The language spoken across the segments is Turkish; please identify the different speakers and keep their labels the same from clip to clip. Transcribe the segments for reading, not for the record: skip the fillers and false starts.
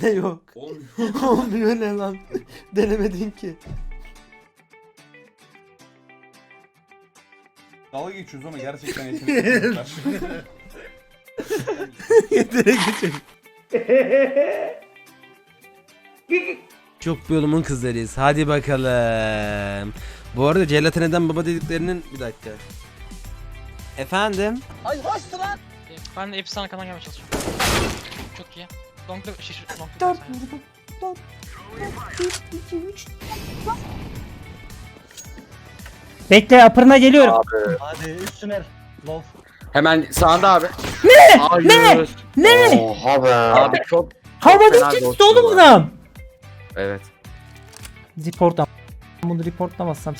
Speaker 1: Ne yok?
Speaker 2: Olmuyor.
Speaker 1: Olmuyor ne lan? Denemedin ki.
Speaker 2: Dalga geçiyoruz ama gerçekten yeteneğimiz var.
Speaker 1: Yetere geçelim. Çok bir yolumun kızlarıyız. Hadi bakalım. Bu arada Gelatineden baba dediklerinin... Bir dakika. Efendim?
Speaker 3: Ben de hepsi sana kanal gelmeye çalışıyorum. Çok iyi. Long'da şişir. Long'da
Speaker 4: Bekle apırına geliyorum.
Speaker 5: Hadi üstüne. Love.
Speaker 6: Hemen sağında abi.
Speaker 4: Ne? Ne?
Speaker 6: Oha be. Abi çok
Speaker 4: Havada
Speaker 6: fena
Speaker 4: geçti
Speaker 6: ghost'u
Speaker 4: oğlum
Speaker 6: var.
Speaker 4: adam.
Speaker 6: Evet.
Speaker 4: Reportam. Bunu reportlamazsam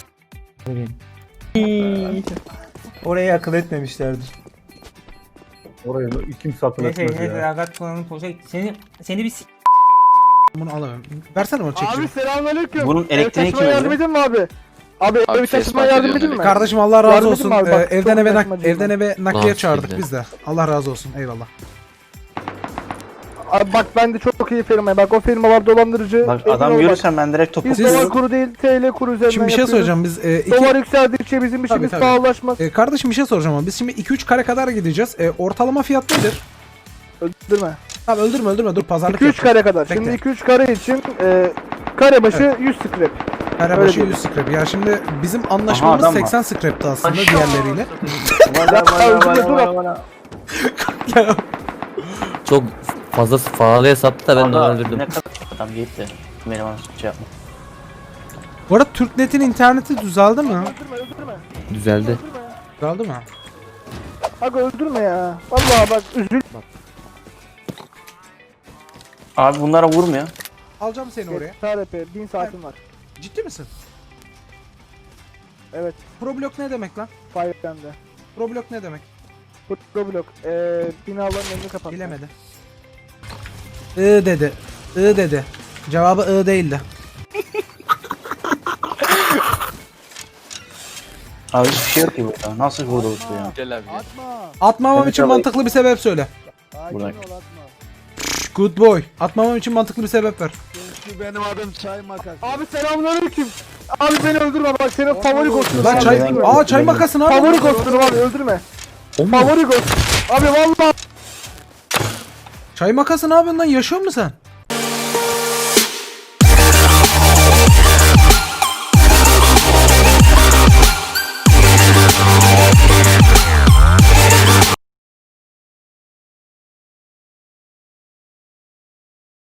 Speaker 4: oraya akıl etmemişlerdir.
Speaker 5: Oraya kimse akıl etmez ya.
Speaker 4: Agat kullanım olacak. Seni bir
Speaker 1: Bunu alamıyorum. Versene onu çekici.
Speaker 7: Abi selamünaleyküm.
Speaker 5: Bunun elektriği kim
Speaker 7: yardım
Speaker 5: veriyor?
Speaker 7: edin mi abi? Abi
Speaker 6: Abi
Speaker 7: ev
Speaker 6: ses
Speaker 7: taşımaya
Speaker 6: fark
Speaker 7: yardım
Speaker 6: ediyor
Speaker 7: edin mi?
Speaker 1: Kardeşim Allah razı
Speaker 7: Yardım
Speaker 1: olsun.
Speaker 7: edin abi, bak,
Speaker 1: Evden
Speaker 7: çok
Speaker 1: eve
Speaker 7: saçma değil
Speaker 1: evden
Speaker 7: mi?
Speaker 1: eve nakliye
Speaker 6: Lan
Speaker 1: çağırdık
Speaker 6: siktir.
Speaker 1: biz de. Allah razı olsun. Eyvallah.
Speaker 7: Abi bak ben de çok iyi firma. Bak o firma var dolandırıcı.
Speaker 5: Bak
Speaker 7: Emin
Speaker 5: adam
Speaker 7: ol
Speaker 5: görürsen ben direkt topu
Speaker 7: Biz
Speaker 1: Siz-
Speaker 7: dolar kuru değil TL kuru üzerinden
Speaker 1: Şimdi bir şey
Speaker 7: yapıyoruz.
Speaker 1: söyleyeceğim. Biz
Speaker 7: Dolar yükseldikçe bizim işimiz
Speaker 1: tabii.
Speaker 7: pahalılaşmaz.
Speaker 1: kardeşim bir şey soracağım ama biz şimdi 2-3 kare kadar gideceğiz. Ortalama fiyat nedir?
Speaker 7: Öldürme.
Speaker 1: Tamam öldürme dur pazarlık
Speaker 7: 2-3
Speaker 1: yapacağız.
Speaker 7: kare kadar.
Speaker 1: Bekle.
Speaker 7: Şimdi 2-3 kare için kare başı 100 scrap.
Speaker 1: Kare
Speaker 7: öyle
Speaker 1: başı
Speaker 7: değil.
Speaker 1: 100 scrap. Ya şimdi bizim anlaşmamız
Speaker 5: adam var.
Speaker 1: 80 scrap'tı aslında diğerleriyle.
Speaker 8: Çok fazla pahalıya sattı da ben de
Speaker 5: Adam
Speaker 8: öldürdüm.
Speaker 5: ne kadar adam gitti. Benim bana şey yapma.
Speaker 1: Bu arada Türknet'in interneti düzeldi mi?
Speaker 7: Öldürme.
Speaker 8: Düzeldi.
Speaker 1: Düzeldi mi?
Speaker 7: Bak öldürme ya. Vallahi bak üzül.
Speaker 5: Abi bunlara vurmuyor.
Speaker 1: Alacağım seni oraya.
Speaker 7: TRP 1000 saatim var.
Speaker 1: Ciddi misin?
Speaker 7: Evet.
Speaker 1: Problok ne demek lan?
Speaker 7: Fire'de.
Speaker 1: Problok ne demek?
Speaker 7: Blok. Binaların önünü kapat.
Speaker 1: Bilemedi. Dedi. Dedi. Cevabı değildi.
Speaker 5: Abi hiçbir şey yok ki burada. Nasıl burada olsun ya?
Speaker 6: Gel abi.
Speaker 7: Atma.
Speaker 1: Atmamam
Speaker 5: Evet,
Speaker 1: için
Speaker 5: alayım.
Speaker 1: mantıklı bir sebep söyle.
Speaker 7: Sakin
Speaker 5: Bırak.
Speaker 7: ol atma.
Speaker 1: Good boy. Atmamam için mantıklı bir sebep ver.
Speaker 7: Benim adım Çay Makas. Abi selamünaleyküm. Abi beni öldürme bak senin favori kostümün.
Speaker 1: Lan
Speaker 7: abi,
Speaker 1: çay...
Speaker 7: öldürme.
Speaker 1: Aa çay makasın abi.
Speaker 7: Favori kostümüm abi öldürme. Favori kostüm. Abi vallahi
Speaker 1: Çay makası ne yapıyorsun lan? Yaşıyor musun sen?